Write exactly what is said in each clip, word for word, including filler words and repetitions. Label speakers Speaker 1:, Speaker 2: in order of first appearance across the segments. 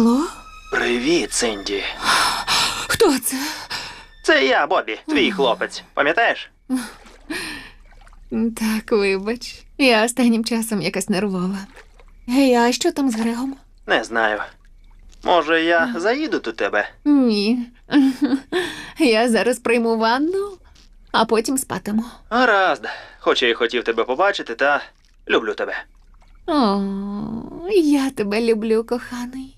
Speaker 1: Алло?
Speaker 2: Привіт, Синді.
Speaker 1: Хто це?
Speaker 2: Це я, Бобі, твій хлопець. Пам'ятаєш?
Speaker 1: Так, вибач. Я останнім часом якась нервова. Гей, а що там з Грегом?
Speaker 2: Не знаю. Може, я заїду до тебе?
Speaker 1: Ні. Я зараз прийму ванну, а потім спатиму.
Speaker 2: Гаразд. Хоч я й хотів тебе побачити, та люблю тебе.
Speaker 1: О, я тебе люблю, коханий.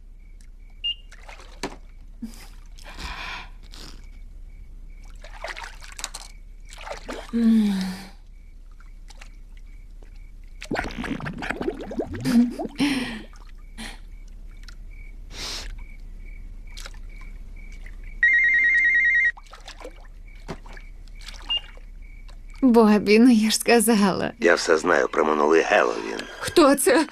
Speaker 1: М. Бобі, ну я ж сказала.
Speaker 3: Я все знаю про минулий Геловін.
Speaker 1: Хто це?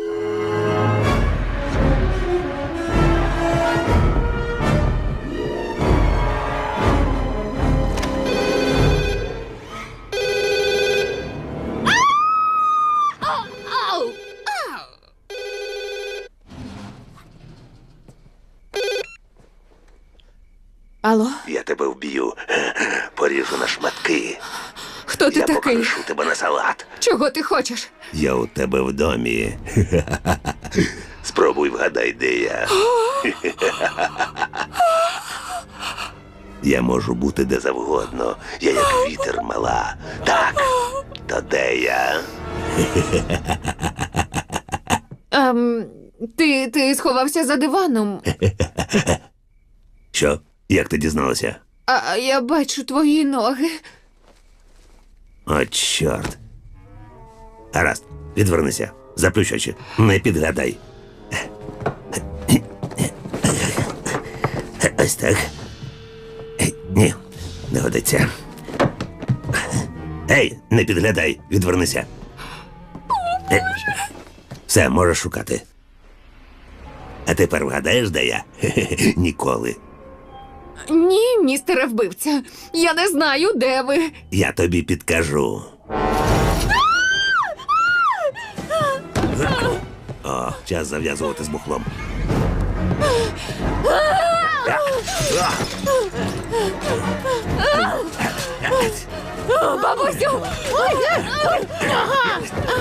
Speaker 1: Алло?
Speaker 3: Я тебе вб'ю, поріжу на шматки.
Speaker 1: Хто ти
Speaker 3: Я
Speaker 1: такий?
Speaker 3: покришу тебе на салат.
Speaker 1: Чого ти хочеш?
Speaker 3: Я у тебе в домі. Спробуй вгадай, де я. Я можу бути де завгодно. Я як вітер мала. Так, то де я?
Speaker 1: Ем, ти, ти сховався за диваном.
Speaker 3: Що? Як ти дізналася?
Speaker 1: А я бачу твої ноги.
Speaker 3: О, чорт. Гаразд, відвернися. Заплющ очі. Не підглядай. Ось так. Ні, не годиться. Ей, не підглядай, відвернися. Все, можеш шукати. А тепер вгадаєш, де я? Ніколи.
Speaker 1: Ні, містере вбивця. Я не знаю, де ви.
Speaker 3: Я тобі підкажу. О, час зав'язувати з бухлом.
Speaker 1: О, бабусю! Ой, ой, ага.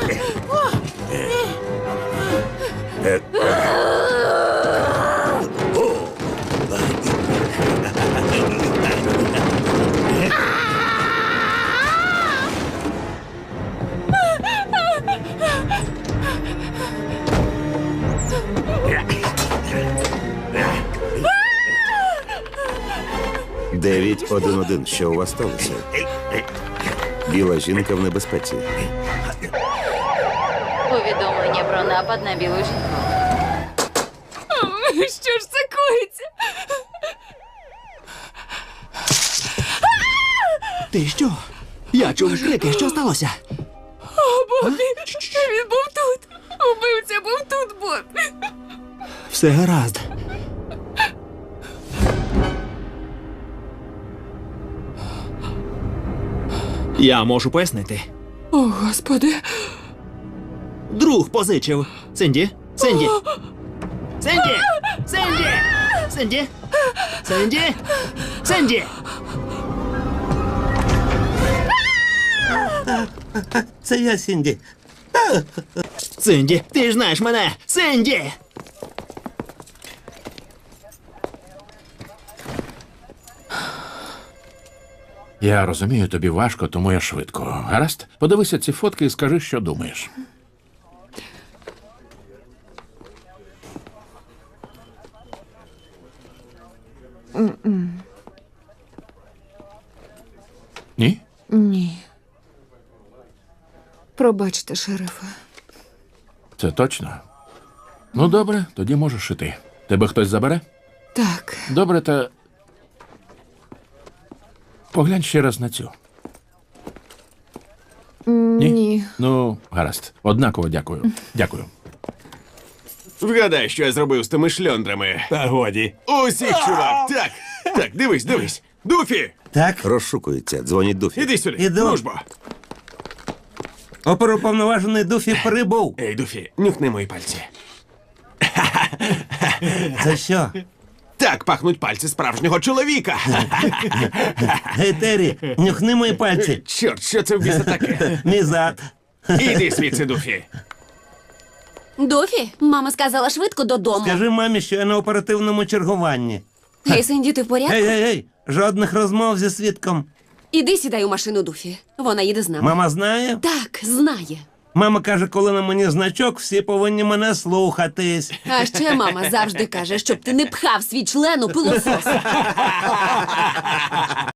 Speaker 4: дев'ять один один. Що у вас сталося? Біла жінка в небезпеці.
Speaker 5: Повідомлення про напад на білу жінку.
Speaker 1: Що ж це коїться?
Speaker 6: Ти що? Я чув крики, що сталося?
Speaker 1: О, Бобі, він був тут. Убивця був тут, Бобі.
Speaker 6: Все гаразд. Я можу пояснити.
Speaker 1: О, Господи.
Speaker 6: Друг позичив. Синді? Синді? Синді! Синді! Синді! Синді! Синді!
Speaker 3: Це я, Сінді.
Speaker 6: Синді, ти ж знаєш мене! Синді!
Speaker 7: Я розумію, тобі важко, тому я швидко. Гаразд? Подивися ці фотки і скажи, що думаєш. Ні?
Speaker 1: Ні. Пробачте, шерифе.
Speaker 7: Це точно? Ну, добре, тоді можеш іти. Тебе хтось забере?
Speaker 1: Так.
Speaker 7: Добре, та... Поглянь ще раз на цю. Ні?
Speaker 1: Ні.
Speaker 7: Ну, гаразд. Однаково дякую. Дякую.
Speaker 8: Вгадай, що я зробив з тими шльондрами.
Speaker 3: Та годі.
Speaker 8: Усіх, чувак! Так, так, дивись, дивись. Дуфі!
Speaker 3: Так,
Speaker 4: Розшукується. Дзвоніть Дуфі.
Speaker 8: Іди сюди.
Speaker 3: Іду.
Speaker 8: Дружбо.
Speaker 3: оперуповноважений Дуфі прибув.
Speaker 8: Ей, Дуфі, нюхни мої пальці.
Speaker 4: Це що?
Speaker 8: Так пахнуть пальці справжнього чоловіка.
Speaker 4: Гей, Террі, нюхни мої пальці.
Speaker 8: Чорт, що це в біса таке?
Speaker 4: Мій зад.
Speaker 8: Іди звідси, Дуфі.
Speaker 1: Дофі, мама сказала швидко додому.
Speaker 4: Скажи мамі, що я на оперативному чергуванні.
Speaker 1: Гей, Синді, ти в порядку?
Speaker 4: Гей, гей, гей, жодних розмов зі свідком.
Speaker 1: Іди сідай у машину Дофі. Вона їде з нами.
Speaker 4: Мама знає?
Speaker 1: Так, знає.
Speaker 4: Мама каже, коли на мені значок, всі повинні мене слухатись.
Speaker 1: А ще мама завжди каже, щоб ти не пхав свій член у пилосос.